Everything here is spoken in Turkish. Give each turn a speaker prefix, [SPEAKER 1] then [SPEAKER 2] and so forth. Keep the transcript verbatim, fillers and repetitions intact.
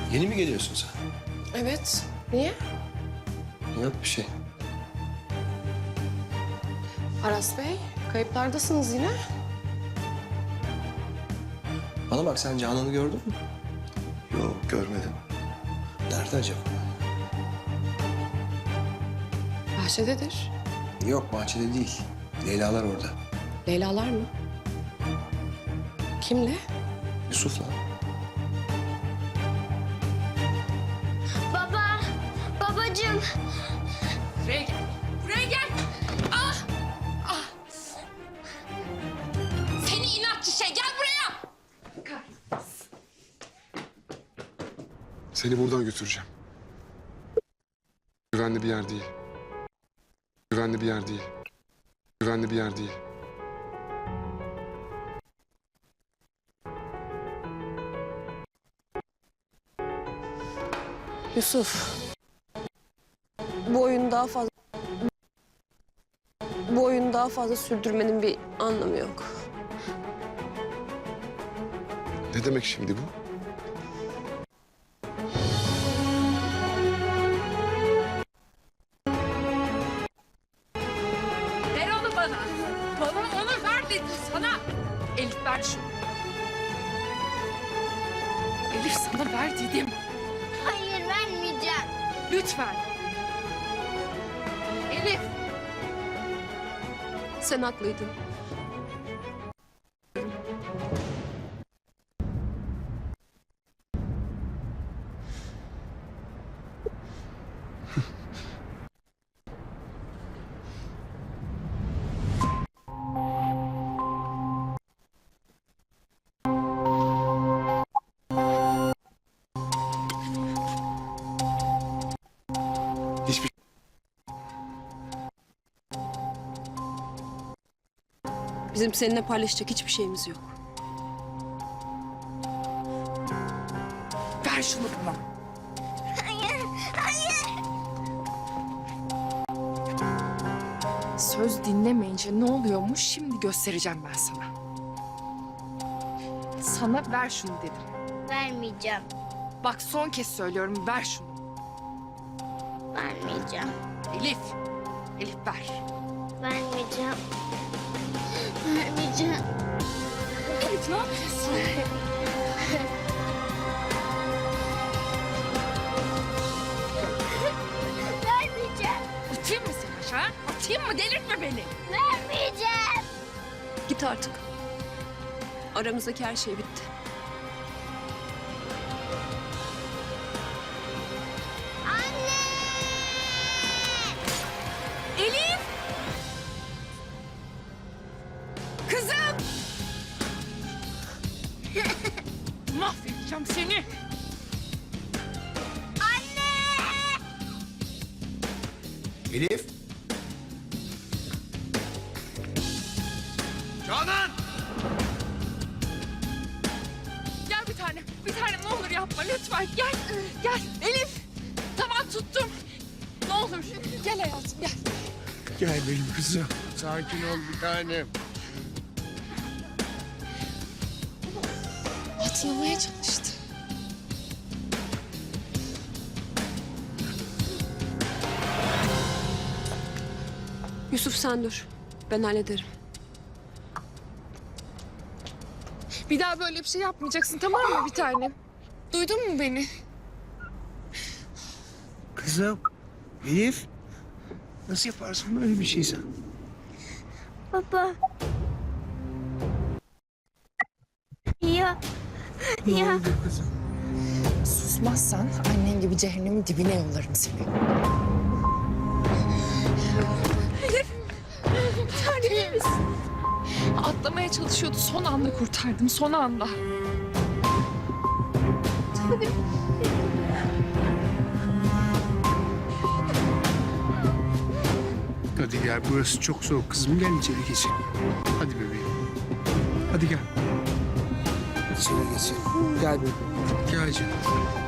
[SPEAKER 1] Yeni mi geliyorsun sen?
[SPEAKER 2] Evet. Niye?
[SPEAKER 1] Yok bir şey.
[SPEAKER 2] Aras Bey, kayıplardasınız yine.
[SPEAKER 1] Bana bak, sen Canan'ı gördün mü?
[SPEAKER 3] Yok, görmedim.
[SPEAKER 1] Nerede acaba?
[SPEAKER 2] Bahçededir.
[SPEAKER 1] Yok, bahçede değil. Leyla'lar orada.
[SPEAKER 2] Leyla'lar mı? Kimle?
[SPEAKER 1] Yusuf'la.
[SPEAKER 4] Baba, babacığım.
[SPEAKER 5] Buraya gel. Buraya gel. Ah! Ah! Seni inatçı şey, gel buraya.
[SPEAKER 6] Seni buradan götüreceğim. Güvenli bir yer değil. Güvenli bir yer değil. Güvenli bir yer değil.
[SPEAKER 7] Yusuf. Bu oyunu daha fazla... Bu oyunu daha fazla sürdürmenin bir anlamı yok.
[SPEAKER 6] Ne demek şimdi bu?
[SPEAKER 5] Ver onu bana. Bana onu ver dedim sana. Elif ver şunu. Elif sana ver dedim.
[SPEAKER 4] Hayır, vermeyeceğim.
[SPEAKER 5] Lütfen. Elif.
[SPEAKER 7] Sen haklıydın.
[SPEAKER 6] Hiçbir
[SPEAKER 7] Bizim seninle paylaşacak hiçbir şeyimiz yok.
[SPEAKER 5] Ver şunu bana.
[SPEAKER 4] Hayır, hayır.
[SPEAKER 5] Söz dinlemeyince ne oluyormuş şimdi göstereceğim ben sana. Sana ver şunu dedim.
[SPEAKER 4] Vermeyeceğim,
[SPEAKER 5] Bak son kez söylüyorum, ver şunu.
[SPEAKER 4] vermeyeceğim,
[SPEAKER 5] Elif. Elif ver.
[SPEAKER 4] vermeyeceğim. Vermeyeceğim.
[SPEAKER 5] Elif ne yapıyorsun?
[SPEAKER 4] Vermeyeceğim,
[SPEAKER 5] Atayım mı seni aşağı? Atayım mı? Delirtme beni.
[SPEAKER 4] vermeyeceğim.
[SPEAKER 7] Git artık. Aramızdaki her şey bitti.
[SPEAKER 4] Anne!
[SPEAKER 5] Elif! Kızım! Mahvedeceğim seni.
[SPEAKER 1] Elif! Canan!
[SPEAKER 5] Gel bir tane. Bir tane ne olur yapma lütfen. Gel. Gel. Elif. Tamam tuttum. Ne olur. Gel hayatım gel.
[SPEAKER 3] Gel benim kızım. Sakin ol bir tanem.
[SPEAKER 2] Atlamaya çalıştı.
[SPEAKER 7] Yusuf sen dur. Ben hallederim.
[SPEAKER 2] Bir daha böyle bir şey yapmayacaksın, tamam mı bir tanem? Duydun mu beni?
[SPEAKER 3] Kızım. Elif. Nasıl yaparsın böyle bir şey sen?
[SPEAKER 4] Baba. Ya,
[SPEAKER 3] Ne
[SPEAKER 4] ya.
[SPEAKER 3] oldu kızım?
[SPEAKER 2] Susmazsan annen gibi cehennemin dibine yollarım seni.
[SPEAKER 5] Tanem misin? Atlamaya çalışıyordu. Son anda kurtardım. Son anda.
[SPEAKER 3] Hadi gel, burası çok soğuk kızım. Gel içeri geçelim. Hadi bebeğim. Hadi gel.
[SPEAKER 1] İçeri geçelim. Gel bebeğim.
[SPEAKER 3] Gel canım.